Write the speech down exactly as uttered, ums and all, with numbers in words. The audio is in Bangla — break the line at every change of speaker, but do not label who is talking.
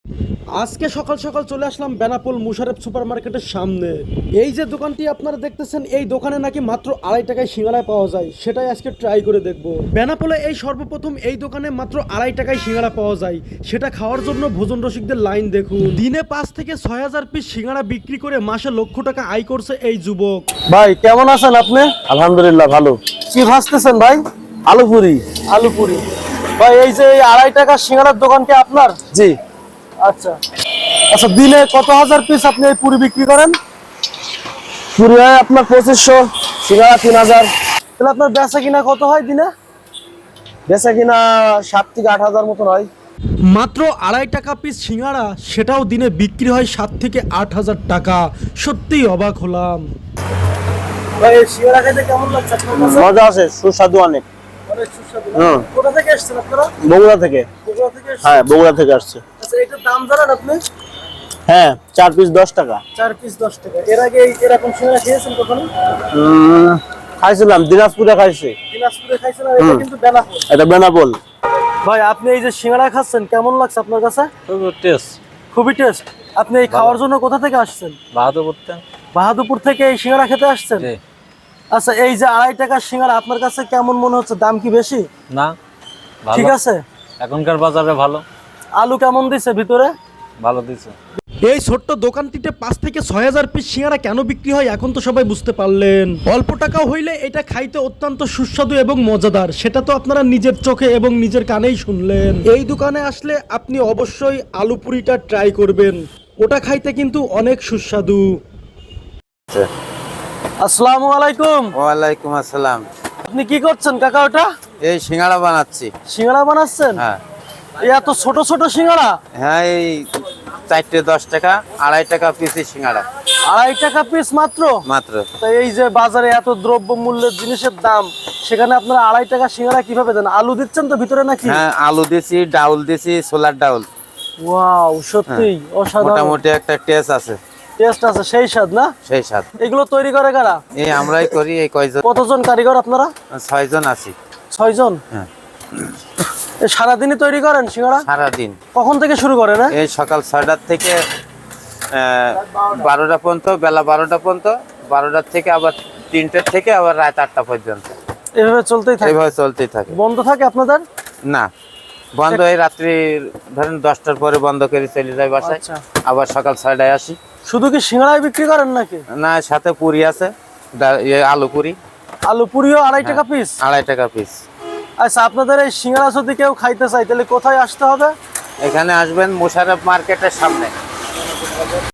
আজকে সকাল সকাল চলে আসলাম বেনাপোল মুশারফ সুপার মার্কেটের সামনে। এই যে দোকানটি আপনারা দেখতেছেন, এই দোকানে নাকি মাত্র আড়াই টাকায় সিঙ্গাড়া পাওয়া যায়, সেটাই আজকে ট্রাই করে দেখব। বেনাপোলে এই সর্বপ্রথম এই দোকানে মাত্র আড়াই টাকায় সিঙ্গাড়া পাওয়া যায়, সেটা খাওয়ার জন্য ভোজন রসিকদের লাইন দেখুন। দিনে পাঁচ থেকে ছয় হাজার পিস সিঙ্গাড়া বিক্রি করে মাসে লক্ষ টাকা আয় করছে এই যুবক। ভাই কেমন আছেন আপনি?
আলহামদুলিল্লাহ ভালো।
কি ভাজতেছেন ভাই?
আলু পুরি।
আলু পুরি। ভাই এই যে এই আড়াই টাকা সিঙ্গাড়ার দোকান কি আপনার?
জি।
আচ্ছা আচ্ছা, দিনে কত হাজার পিস আপনি এই পুরি বিক্রি করেন?
পুরি হয় আপনার পঁচিশশো, সিঙ্গাড়া তিন হাজার।
তাহলে আপনার বেচা কিনা কত হয় দিনে?
বেচা কিনা সাত থেকে আট হাজার মতন হয়।
মাত্র আড়াই টাকা পিস সিঙ্গাড়া, সেটাও দিনে বিক্রি হয় সাত থেকে আট হাজার টাকা। সত্যিই অবাক হলাম। ভাই এই সিঙ্গাড়া খেতে কেমন লাগছে আপনার কাছে?
মজা আছে, সুস্বাদু অনেক।
অনেক সুস্বাদু।
হুম।
কোথা থেকে এসেছেন আপনারা?
বগুড়া থেকে।
বগুড়া থেকে এসেছেন?
হ্যাঁ, বগুড়া থেকে আসছে।
আচ্ছা, এটার দাম জানেন আপনি?
হ্যাঁ, চার পিস দশ টাকা।
চার পিস দশ টাকা। এর আগে এই এরকম সিঙ্গাড়া খেয়েছেন কখনো?
উম, খাইছিলাম, দিনাজপুরে খাইছি।
দিনাজপুরে খাইছেন? আর এটা কিন্তু বেনাপোল।
এটা বেনাপোল।
ভাই আপনি এই যে সিঙ্গাড়া খাচ্ছেন, কেমন লাগছে আপনার কাছে?
খুবই টেস্ট।
খুবই টেস্ট। আপনি এই খাওয়ার জন্য কোথা থেকে আসছেন?
বাহাদুরপুর থেকে।
বাহাদুরপুর থেকে এই সিঙ্গাড়া খেতে আসছেন?
জি।
আচ্ছা, এই যে আড়াই টাকার সিঙ্গাড়া আপনার কাছে কেমন মনে হচ্ছে? দাম কি বেশি?
না, ভালো।
ঠিক আছে।
এখনকার বাজারে ভালো।
আলু কেমন দিছে ভিতরে?
ভালো দিছে।
এই ছোট্ট দোকানটিতে পাঁচ থেকে ছয় হাজার পিস সিঙ্গাড়া কেন বিক্রি হয় এখন তো সবাই বুঝতে পারলেন। অল্প টাকা হইলে এটা খাইতে অত্যন্ত সুস্বাদু এবং মজাদার, সেটা তো আপনারা নিজের চোখে এবং নিজের কানেই শুনলেন। এই দোকানে আসলে আপনি অবশ্যই আলু পুরিটা ট্রাই করবেন, ওটা খাইতে কিন্তু অনেক সুস্বাদু। আসসালামু আলাইকুম।
ওয়ালাইকুম আসসালাম।
আপনি কি করছেন কাকা? ওটা
এই সিঙ্গাড়া বানাচ্ছি।
সিঙ্গাড়া বানাচ্ছেন?
হ্যাঁ
এই এত ছোট ছোট সিঙ্গাড়া?
হ্যাঁ, এই চারটে দশ টাকা, আড়াই টাকা পিসের সিঙ্গাড়া
আড়াই টাকা পিস মাত্র?
মাত্র।
তাই এই যে বাজারে এত দ্রব্য মূল্যের জিনিসের দাম, সেখানে আপনারা আড়াই টাকা সিঙ্গাড়া কিভাবে দেন? আলু দিচ্ছেন তো ভিতরে নাকি?
হ্যাঁ, আলু দিছি, ডাউল দিছি, ছোলার ডাউল।
ওয়াও, সত্যি অসাধারণ।
মোটামুটি একটা টেস্ট আছে।
টেস্ট আছে, সেই স্বাদ না?
সেই স্বাদ।
এগুলো তৈরি করে কারা?
এই আমরাই করি। এই কয়জন?
কতজন কারিগর আপনারা?
ছয়জন আছি।
ছয় জন?
হ্যাঁ।
এই সারাদিনই তৈরি করেন সিঙ্গাড়া?
সারাদিন।
কখন থেকে শুরু করেন?
এই সকাল ছয়টার থেকে বারোটা পর্যন্ত, বেলা বারোটা পর্যন্ত, বারোটার থেকে আবার তিনটার থেকে আবার রাত আটটা পর্যন্ত।
এভাবে চলতেই থাকে?
এইভাবে চলতেই থাকে।
বন্ধ থাকে আপনাদের?
না, বন্ধ এই রাত্রি ধরেন দশটার পরে বন্ধ করে চলে যায় বাসায়।
আচ্ছা।
আবার সকাল ছয়টায় আসি।
শুধু কি সিঙ্গাড়াই বিক্রি করেন নাকি?
না, সাথে পুরি আছে, ডা- ইয়ে আলু পুরি।
আলু পুরিও আড়াই টাকা পিস?
আড়াই টাকা পিস।
আচ্ছা, আপনাদের এই সিঙ্গাড়া যদি কেউ খাইতে চাই তাহলে কোথায় আসতে হবে?
এখানে আসবেন মুশারফ মার্কেটের সামনে।